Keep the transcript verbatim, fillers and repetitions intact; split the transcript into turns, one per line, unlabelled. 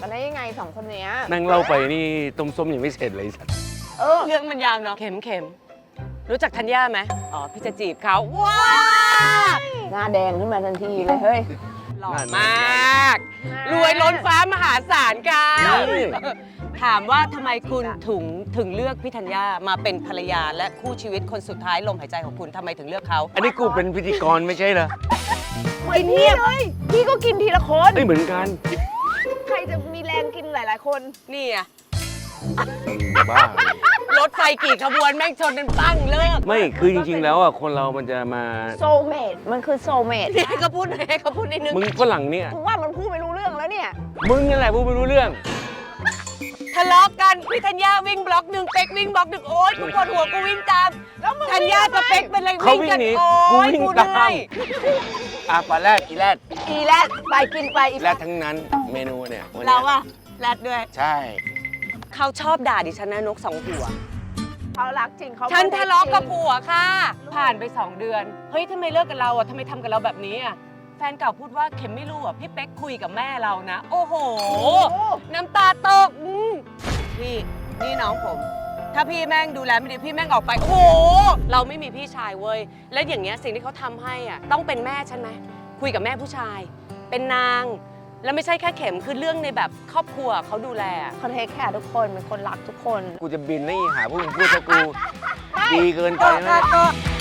กันได้ยังไงสองคนเนี้ย
นั่งเล่าไปนี่ต้มส้มยังไม่เสร็จเลยสัตว์
เออ
เรื่องมันยาวเนาะเข็มเข็มรู้จักธัญญาไหมอ๋อพี่จะจีบเขาว้า
หน้าแดงขึ้นมาทันทีเลยเฮ้ย
หล่อมาก รวยล้นฟ้ามหาศาลกันถามว่าทำไมคุณถึงถึงเลือกพี่ธัญญามาเป็นภรรยาและคู่ชีวิตคนสุดท้ายลมหายใจของคุณทำไมถึงเลือกเขา
อันนี้กูเป็นพิธีกรไม่ใช่เหรอ
เหมือนพี่เลย พี่ก็กินทีละคน
ไม่เหมือนกัน
ใครจะมีแรงกินหลาย ๆ คน
นี่อะ
บ้าร
ถไฟกี่ขบวนแม่งชนกันปั้งเลิก
ไม่คือจริงๆแล้วอ่ะคนเรามันจะมา
โซเมดมันคือโซเมด
ให้เขาพูดหน่อยให้เขาพูดนิดนึง
มึงฝรั่งเนี่ย
กูว่ามันพูดไม่รู้เรื่องแล้วเนี่ย
มึงนั่นแหละพูดไม่รู้เรื่อง
ทะเลาะกันพี่ธัญญาวิ่งบล็อกหนึ่งเป๊กวิ่งบล็อกหนึ่งโอ๊ยกูปวดหัวกูวิ่งตามธัญญากับเป๊กเป็นอะไร
เขา
วิ่ง
วิ่ง
กัน
หนี
โอ๊
กู
ย
วิ่ง
กู
ตาม
เหนื่อย
อ่ะปลาแรดอีแรด
อีแรดไปกินไปอี
แรดทั้งนั้นเมนูเนี่ยวันนี้ย
เราอะแรดด้วย
ใช่
เขาชอบด่าดิฉันนะนกสองหัว
เขารักจริงเขา
ฉันทะเลาะกับ
จริง
ผัวค่ะ ผ่านไปสองเดือน เฮ้ยทำไมเลิกกับเราอะทำไมทำกับเราแบบนี้อะแฟนเก่าพูดว่าเข็มไม่รู้อะพี่เป๊กคุยกับแม่เรานะ โอ้โห น้ำตาตกอืมพี่นี่น้องผม ถ้าพี่แม่งดูแลไม่ดีพี่แม่งออกไป โอ้โห เราไม่มีพี่ชายเว้ย และอย่างเงี้ยสิ่งที่เขาทำให้อ่ะต้องเป็นแม่ฉันไหมคุยกับแม่ผู้ชาย เป็นนาง แล้วไม่ใช่แค่เข็มคือเรื่องในแบบครอบครัวเขาดูแลอะ
เขาเทคแคร์ทุกคนเป็นคนรักทุกคน
กูจะบินนี่หาพวกมึงพูดถ้ากูดีเกินไป
ก็
นะ
ก็